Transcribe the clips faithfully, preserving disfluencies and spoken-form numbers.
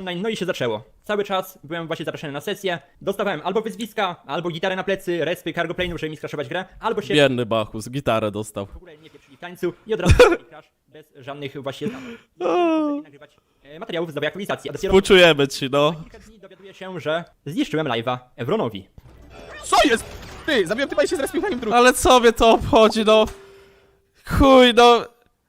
online, no i się zaczęło. Cały czas byłem właśnie zapraszany na sesję, dostawałem albo wyzwiska, albo gitarę na plecy, respy, cargo plane'ów, żeby mi skraszować grę, albo się Biedny Bachus, gitarę dostał. w ogóle nie pieprzyli w tańcu i od razu crash bez żadnych właśnie tam. Nie nagrywać e, materiałów z nowej aktualizacji. A dopiero Współczujemy ci, no. kilka dni dowiaduję się, że zniszczyłem live'a Evronowi. Co jest? Ty, zabiłem typa i się zrespił na nim drugi. Ale co mnie to obchodzi, no? Chuj, no.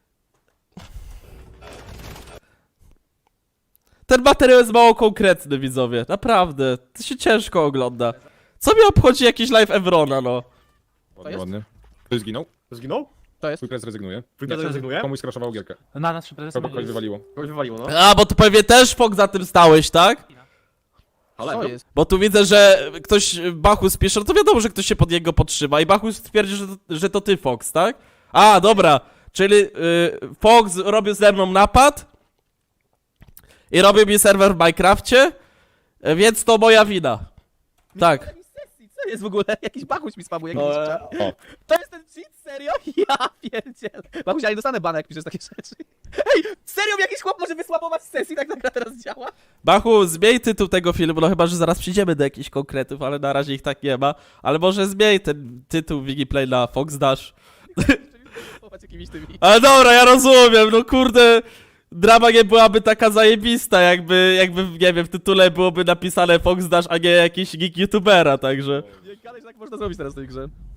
Ten materiał jest mało konkretny, widzowie. Naprawdę. To się ciężko ogląda. Co mnie obchodzi jakiś live Evrona, no? To jest? Ładny. Ktoś zginął? Zginął? To jest? Twój kres rezygnuje. Twój prezes rezygnuje? Komuś skraszował gierkę. Na naszym prezesie Kogo kogoś wywaliło. Kogoś wywaliło, no. A, bo tu pewnie też Fok za tym stałeś, tak? Co jest? Bo tu widzę, że ktoś, Bachus pisze, no to wiadomo, że ktoś się pod niego podtrzyma i Bachus twierdzi, że to, że to ty, Fox, tak? A, dobra, czyli y, Fox robił ze mną napad i robił mi serwer w Minecrafcie, y, więc to moja wina. Tak. Jakiś sesji, co jest w ogóle? Jakiś bachuś mi spamuje. No, jakiś czat. O. To jest ten cheat? Serio? Ja pierdzielę. Bachuś, ja nie dostanę bana, jak piszesz takie rzeczy. Ej, serio jakiś chłop może wysłapować z sesji, tak ta gra teraz działa? Bachu, zmień tytuł tego filmu, no chyba, że zaraz przyjdziemy do jakichś konkretów, ale na razie ich tak nie ma. Ale może zmień ten tytuł Wigiplay na Fox Dash. Wysłapować jakimiś tymi. Ale dobra, ja rozumiem, no kurde, drama nie byłaby taka zajebista, jakby, jakby, nie wiem, w tytule byłoby napisane Fox Dash, a nie jakiś geek youtubera, także... Nie gadaj, że tak można zrobić teraz w tej grze.